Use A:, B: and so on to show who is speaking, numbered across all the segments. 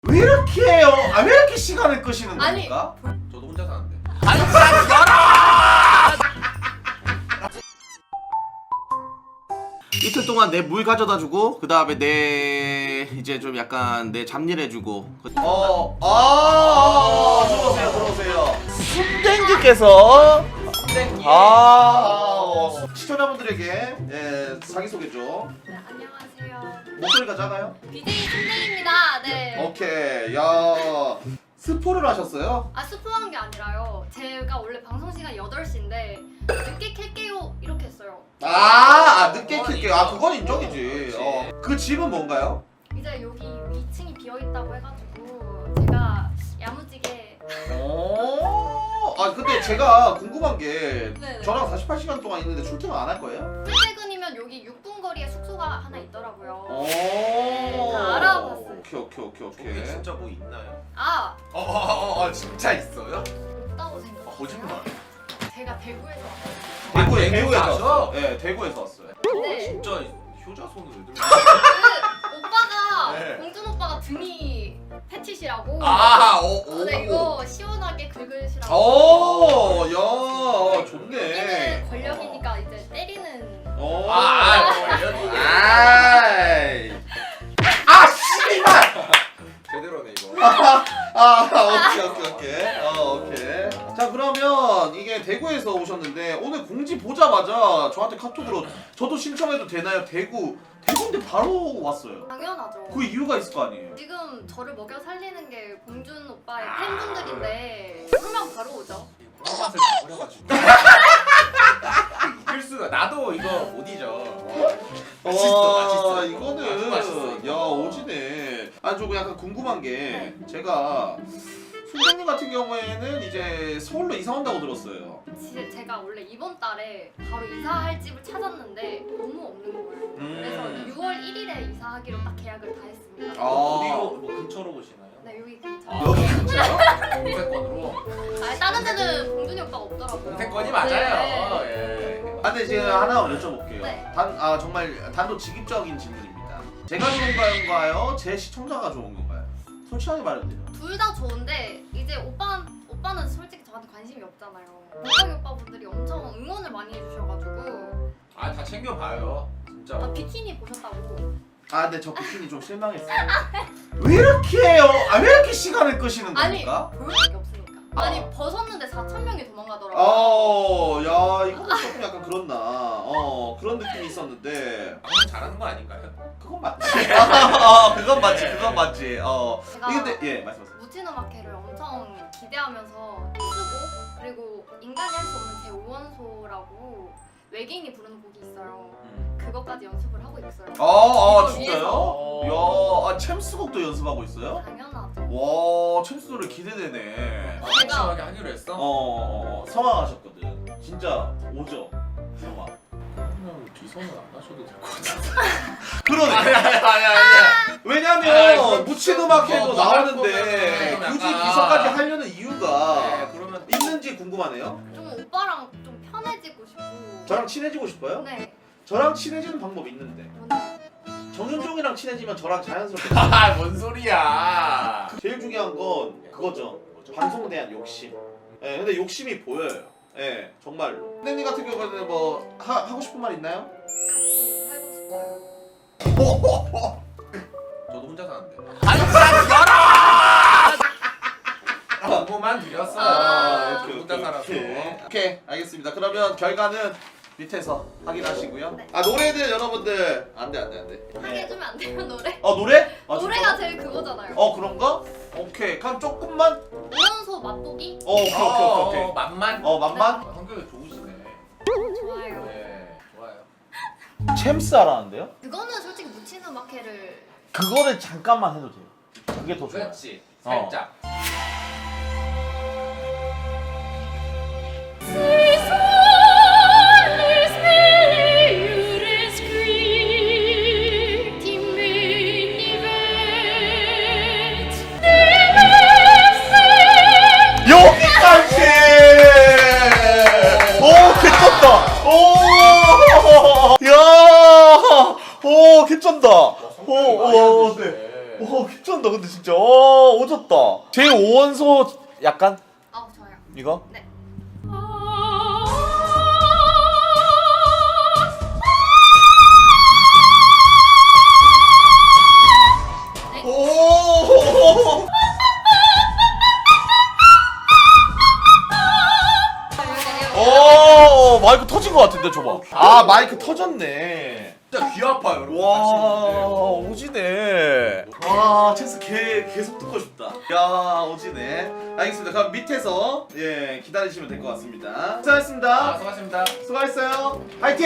A: 왜 이렇게 해요? 왜 이렇게 시간을 끄시는 겁니까?
B: 저도 혼자 사는데.
A: 이틀 동안 내 물 가져다 주고 그 다음에 내 이제 좀 약간 내 잡일 해주고. 들어오세요, 들어오세요. 순댕기께서 시청자분들에게 자기 소개 좀.
C: 네, 안녕하세요.
A: 목소리가 작아요?
C: BJ 순댕입니다. 네.
A: 오케이. 야, 스포를 하셨어요?
C: 스포한 게 아니라요. 제가 원래 방송 시간 8시인데 늦게 켤게요 이렇게 했어요.
A: 늦게 킬게요. 그건 인정이지. 그 집은 뭔가요?
C: 이제 여기 2층이 비어 있다고 해가지고 제가 야무지게.
A: 근데 제가 궁금한 게
C: 네네.
A: 저랑 48시간 동안 있는데 출퇴근 안 할 거예요?
C: 출퇴근이면 여기 6분 거리에 숙소가 하나 있더라고요. 다 알아봤어요.
A: 오케이.
B: 진짜 뭐 있나요?
A: 진짜 있어요?
C: 없다고 생각.
B: 거짓말.
C: 제가 대구에서 왔어요.
A: 대구에서
B: 가셔?
A: 왔어요. 네, 대구에서 왔어요.
C: 네.
B: 진짜 효자손을 왜 들고?
C: 오빠가
B: 네.
C: 공준 오빠가 등이 패치시라고. 네, 이거 시원하게 긁으시라고.
A: 야, 좋네.
C: 여기는 권력이니까 이제 때리는.
A: 씨발!
B: 제대로네 이거.
A: 오케이. 자, 그러면 이게 대구에서 오셨는데 오늘 공지 보자마자 저한테 카톡으로 저도 신청해도 되나요? 대구인데 바로 왔어요.
C: 당연하죠.
A: 그 이유가 있을 거 아니에요?
C: 지금 저를 먹여 살리는 게 공준 오빠의 팬분들인데 그러면 바로 오죠.
B: 맛을 버려가지고. 이길 수가. 나도 이거 못 잊어. 맛있어.
A: 이거는
B: 맛있어.
A: 야, 오지네. 저 약간 궁금한 게 제가 순장님 같은 경우에는 이제 서울로 이사 온다고 들었어요.
C: 제가 원래 이번 달에 바로 이사할 집을 찾았는데 너무 없는 거예요. 그래서 6월 1일에 이사하기로 딱 계약을 다 했습니다.
B: 어디로 뭐 근처로 보시나요?
C: 네, 여기 근처.
A: 여기 근처요?
B: 공세권으로.
C: 다른 데는 공준이 오빠가 없더라고요.
B: 공세권이 맞아요.
C: 네.
B: 예.
A: 근데 제가 하나 여쭤볼게요.
C: 네.
A: 정말 단도직입적인 질문입니다. 제가 좋은 건가요? 제 시청자가 좋은 건가요? 솔직하게 말해주세요.
C: 둘 다 좋은데 이제 오빠는 솔직히 저한테 관심이 없잖아요. 오빠기 오빠분들이 엄청 응원을 많이 해주셔가지고.
B: 다 챙겨봐요. 진짜.
C: 비키니 보셨다고.
A: 근데 저 비키니 좀 실망했어요. 왜 이렇게 해요? 왜 이렇게 시간을 끄시는 겁니까?
C: 볼 수밖에 없으니까. 벗었는데 4,000명이 도망가더라고요.
A: 야, 이거는 조금 약간 그렇나. 그런 느낌이 있었는데.
B: 방송 잘하는 거 아닌가요?
A: 그건 맞지. 그건 맞지.
C: 제가
A: 근데 예, 말씀하세요.
C: 무친 음악회를 엄청 기대하면서 쓰고 그리고 인간이 할 수 없는 제 5원소라고 외계인이 부르는 곡이 있어요. 그것까지 연습을 하고 있어요.
A: 진짜요? 야, 챔스곡도 연습하고 있어요?
C: 당연하죠.
A: 와, 챔스 노래 기대되네.
B: 확실하게 하기로 했어?
A: 성황하셨거든. 진짜 오죠. 성황.
B: 그냥 기선은 안 하셔도 될 것 같아.
A: 그러네.
B: 아니야.
A: 왜냐면 무친 음악회도 나오는데
B: 거면
A: 굳이
B: 약간-
A: 기선까지 하려는 이유가
B: 그러면
A: 있는지 궁금하네요.
C: 좀 오빠랑 좀 편해지고 싶고.
A: 저랑 친해지고 싶어요?
C: 네.
A: 저랑 친해지는 방법이 있는데
C: 뭔데?
A: 정윤종이랑 친해지면 저랑 자연스럽게
B: 뭔 소리야?
A: 제일 중요한 건 그거죠. 방송에 대한 욕심. 근데 욕심이 보여요. 정말로. 선생님 같은 경우에는 뭐 하고 싶은 말 있나요?
C: 같이 살고 싶어요.
B: 저도 혼자 사는데.
A: 열어!
B: 정보만 드렸어. 혼자 살아서.
A: 오케이, 알겠습니다. 그러면 결과는 밑에서 확인하시고요.
C: 네.
A: 노래는 여러분들 안돼.
C: 하게 해주면 안 돼요 노래?
A: 노래?
C: 노래가 제일 그거잖아요.
A: 그런가? 오케이. 그럼 조금만.
C: 5원소 맛보기?
A: 오케이.
B: 맛만.
A: 맛만?
B: 성격이 좋으시네.
C: 좋아요.
B: 네, 좋아요.
A: 챔스 알았는데요?
C: 그거는 솔직히 묻힌 음악회를
A: 그거를 잠깐만 해도 돼요. 그게 더 좋아요.
B: 그렇지. 살짝.
A: 여기까지! 개쩐다! 야! 개쩐다! 네. 개쩐다!
D: 잘한다 근데 진짜. 오졌다. 제 5원소 약간
C: 아 좋아요.
D: 이거?
C: 네.
A: 오.
D: 오 마이크 터진 것 같은데 줘봐. 아 마이크 터졌네.
B: 진짜 귀 아파요 여러분.
D: 와 오지네.
A: 와 체스 계속 듣고 싶다. 야 오지네. 알겠습니다. 그럼 밑에서 예 기다리시면 될 것 같습니다. 수고하셨습니다.
B: 수고하셨습니다.
A: 수고했어요. 파이팅.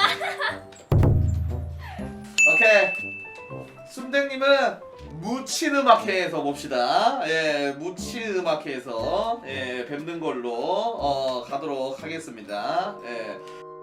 A: 오케이. 순댕님은 무친음악회에서 봅시다. 예, 무친음악회에서 예 뵙는 걸로 가도록 하겠습니다. 예.